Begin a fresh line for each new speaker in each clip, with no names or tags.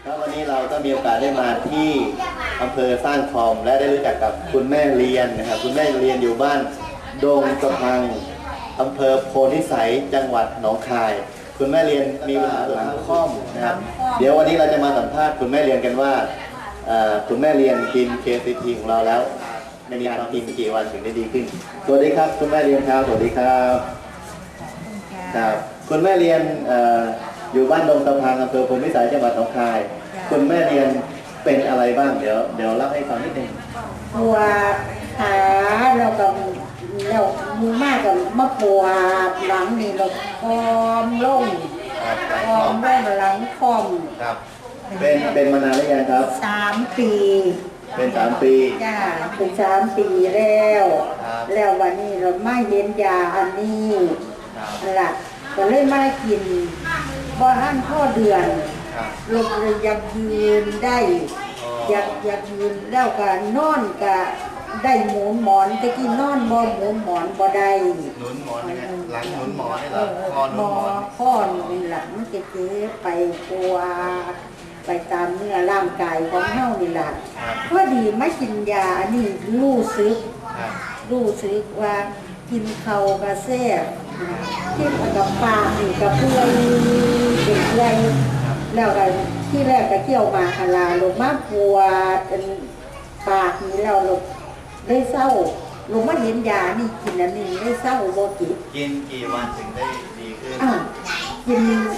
แล้ววันนี้เราก็มีโอกาสได้มาที่อำเภอสร้างคอมและได้รู้จักกับคุณแม่เรียนนะครับคุณแม่เรียนอยู่บ้านดงสะพังอำเภอโพธิสัยจังหวัดหนองคายคุณแม่เรียนมีปัญหาหลังค่อมนะครับเดี๋ยววันนี้เราจะมาสัมภาษณ์คุณแม่เรียนกันว่าคุณแม่เรียนกิน KCT ของเราแล้วในการกินกี่วันถึงได้ดีขึ้นสวัสดีครับคุณแม่เรียนครับสวัสดีครับครับคุณแม่เรียนอยู่บ้านดงสะพังอำเภอโพธิสัยจังหวัดหนองคายคุณแม่เรียนเป็นอะไรบ้างเดี๋ยวเล่าให้ฟังนิดนึง
ปวดขาเรากับเรามือมากกับมะปวดหลังนี่เราคอมล่งคอมล่งหลังคอม
ครับเป็นมานานหรือยังครับ
3 ปี
เป็น3 ปี
จ้าเป็น3 ปีแล้ววันนี้เราไม่เห็นยาอันนี้ล่ะก็เลยมากินบ่ทันพ่อเดือนเราเลยอยากยืนได้อยากยืนแล้วก็นอนก็ได้หมุนหมอนตะกี้นอนบ่หมุนหมอนบ่ได้
หนุนหมอนนี่หลังหนุนหมอนนี่เหรอคอหนุนหมอน
ข้อหนุนหลังมันจะเจ๊ไปตัวไปตามเนื้อร่างกายของเฮานี่ล่ะพอดีมากินยาอันนี้รู้สึกว่ากินข้าวก็แซ่บกินกับปลานี่ก็เปื่อยเป็นเปื่อยแล้วก็ที่แรกก็เที่ยวมาคาลาลงมาปวดปากนี่เราได้เศร้าลงมาเห็นยานี่กินอันนี้ได้เศร้าบ่
กินกี่วันถึงได้ดีขึ้น
กิน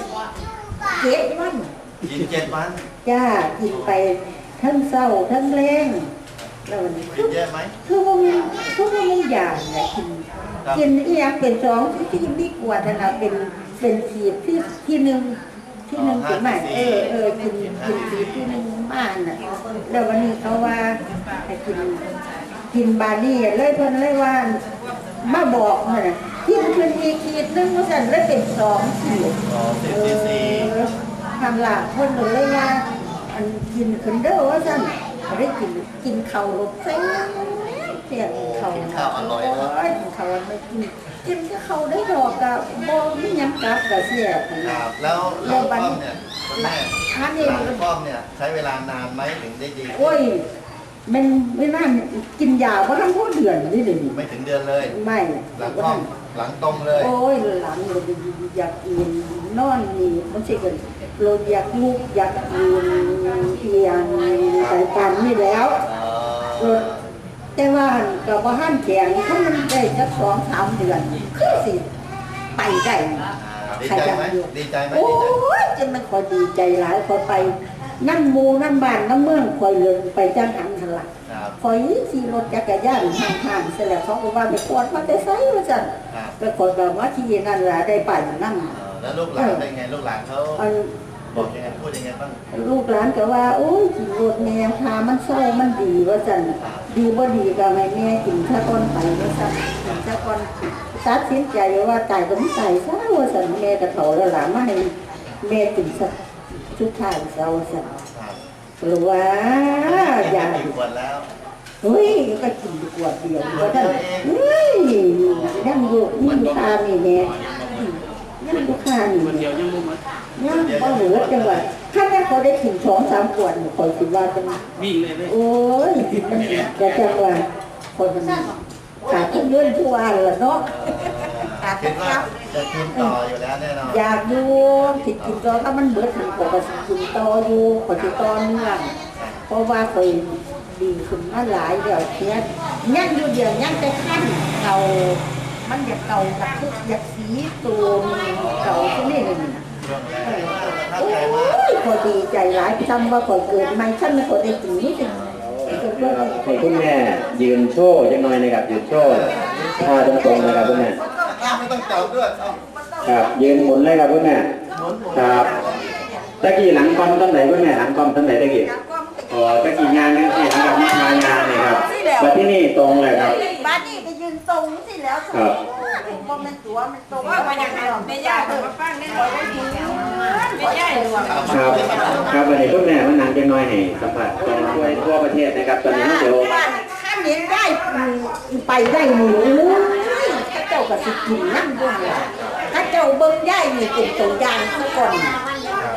7 วัน
กิน7 วัน
จ้ากินไปทั้งเศร้าทั้งแรงแล้ววันนี้
กินเยอะไหม
คือว่ามันยาเนี่ยกินอีกอย่างเป็น2ที่ดีกว่านะเป็นขีดที่1ถึงไหนกินขีดที่1บ้านน่ะแล้ววันนี้เขาว่าให้กินบานี่เลยเพิ่นเลยว่ามาบอกน่ะกินเพิ่นอีกขีดนึงว่าซั่นเลยเป็น2ขีดทำล่ะเพิ่นเลยว่าอันกินขึ้นเด้อว่าซั่นได้กินข้าวรสแซ่บเสียข้าว
อร่อยนะ
กินข้าวไม่กินก็ข้าวได้ดอกก็บ่มีหยังกลับก็เสีย
ครับแล้วป้อมเนี่ยแม่ป้อมเนี่ยใช้เวลานานไหมถึงได้ดี
โอ้ยมันไม่น่ากินยาเพราะทั้งพวกเดือนนี่เลย
ไม่ถึงเดือนเลย
ไม่
หลังป้อมหลังตรงเลย
โอ้ยหลังเลยอยากกินนอนนี่มันใช่กันเราอยากลุกอยากกินเอียงใส่กันนี่แล้วแต่ว่ากับว่าห้ามแข็งเขามันได้สัก2-3 เดือนคือสิไปได้
ดีใจไหมดีใจไหม
โอ้ยจะมันคอยดีใจหลายคอยไปนั่นมูนั่นบ้านนั่นเมืองคอยเลยไปจ้างหันหันหลังคอยขี่รถจักรยานห่างๆเสร็จแล้วเขาก็ว่าไปกวดมาได้ไซว่าจันก็คอยแบบว่าที่นั่นแหละได้ไปนั่น
แล้วลูกหลานเป็นไงลูกหลานเขาบอกยังไงพูดยังไงบ้าง
ลูกหลานก็ว่าโอ้ยขี่รถแม่พามันเศร้ามันดีว่าจันดีบ่ดีก็ไม่แม่กินข้าวต้นไปว่าจันกินข้าวต้นตัดสินใจว่าตายก็ไม่ตายซะว่าจันแม่กระโถแล้วหลานมาให้แม่กินสักชุดท้ายเศร้าจันหรือว่า
อยากกินขวดแล้ว
เฮ้ยก็กินขวดเดียวว่าท่านเฮ้ยยังอยู่คานี่แม่ยังอยู่คานี่ยังบ่เหลือจังหวะถ้าแม่เขาได้ถึง2-3 ขวดคอยคิดว่าจะ
วิ่งเลย
โอ้ยจะจังหวะคนมันขาดเงินทุกวันละเนาะ
คิดว่าจะกินต่ออยู่แล้วแน่นอน
อยากดูติดกินต่อถ้ามันเบิดถึงปกติกินต่ออยู่ปกติต่อเนื่องเพราะว่าเคยดีขึ้นมาหลายเดี๋ยวเนี้ยยังอยู่เดี๋ยวยังจะขั้นเก่ามันอยากเก่ากับทุกอยากสีตัวเก่าที่นี่เลยโอ้ยพอดีใจหลายจำว่าพอเกิดไม่ฉันไม่พอได้กินนิดนึง
ให้คุณแม่ยืนโชว์จังหน่อยนะครับยืนโชว์ท่าตรงๆนะครับคุณแม่
ไม่ต้องจับด้วย
ครับยืนหมุนเลยครับคุณแม่ครับตะกี้หลังกอมตั้งไหนคุณแม่หลังกอมตั้งไหนตะกี้ตะกี้งานนี่ที่ทำกับมางานนี่ครับมาที่นี่ตรงเลยครับ
บ้านนี่ไปยืนตรงสิแล้วครับมันตัวมันตรงว่ามันยังไม่ยากเลยมาฟังได้เลยไม่ยากเลย
ครับวันนี้คุณแม่มันนานจังน้อยให้สัมผัสตรงด้วยทั่วประเทศนะครับตอนนี้เดี๋ยว
ถ้าเน้นได้ไปได้หนูถ้าเจ้ากับสิกินนั่งด้วยถ้าเจ้าเบิ้งได้มีเป็นตัวอย่างซะก่อน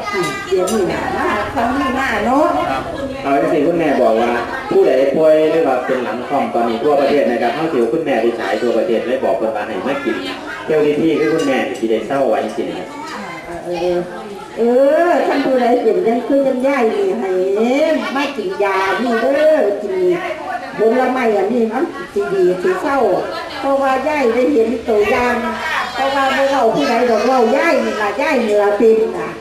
เดี๋ยวนี้นะครั้งนี้มาเนาะ
เอาที่สี่คุณแม่บอกว่าผู้ใดป่วยหรือว่าเป็นหลังคอมตอนนี้ทั่วประเทศนะครับเข้าถึงคุณแม่ไปฉายทั่วประเทศเลยบอกคนบ้านให้มากินเที่ยวที่คือคุณแม่ที่ได้เศร้าไว้สินะครับ
ท่านผู้ใดเจ็บยังคือยังย่ายดีให้มากินยานี่เด้อกินผลไม้อันนี้มันสิดีสิเศร้าเพราะว่าย่ายได้เห็นตัวอย่างเพราะว่าบ่เว้าผู้ใดดอกเว้าย่ายนี่ล่ะย่ายนี่ล่ะเป็นน่ะ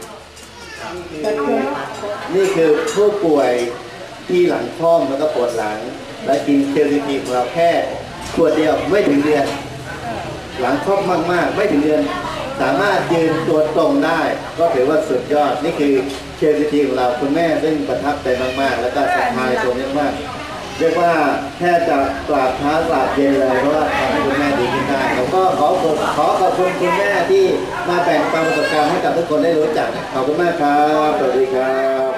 นี่คือผู้ป่วยที่หลังคล่อมแล้วก็ปวดหลัง และกินเคลซีทีของเราแค่ขวดเดียวไม่ถึงเดือน หลังคล่อมมากๆไม่ถึงเดือน สามารถยืนตัวตรงได้ ก็ถือว่าสุดยอดนี่คือเคลซีทีของเราคุณแม่ซึ่งประทับใจมากๆ แล้วก็ศรัทธาในตัวนี้มากเรียกว่าแค่จะกราบเท้ากราบเย็นเลยเพราะว่าทำให้คุณแม่ดีขึ้นได้ผมก็ขอขอบคุณคุณแม่ที่มาแบ่งปันประสบการณ์ให้กับทุกคนได้รู้จักขอบคุณมากครับสวัสดีครับ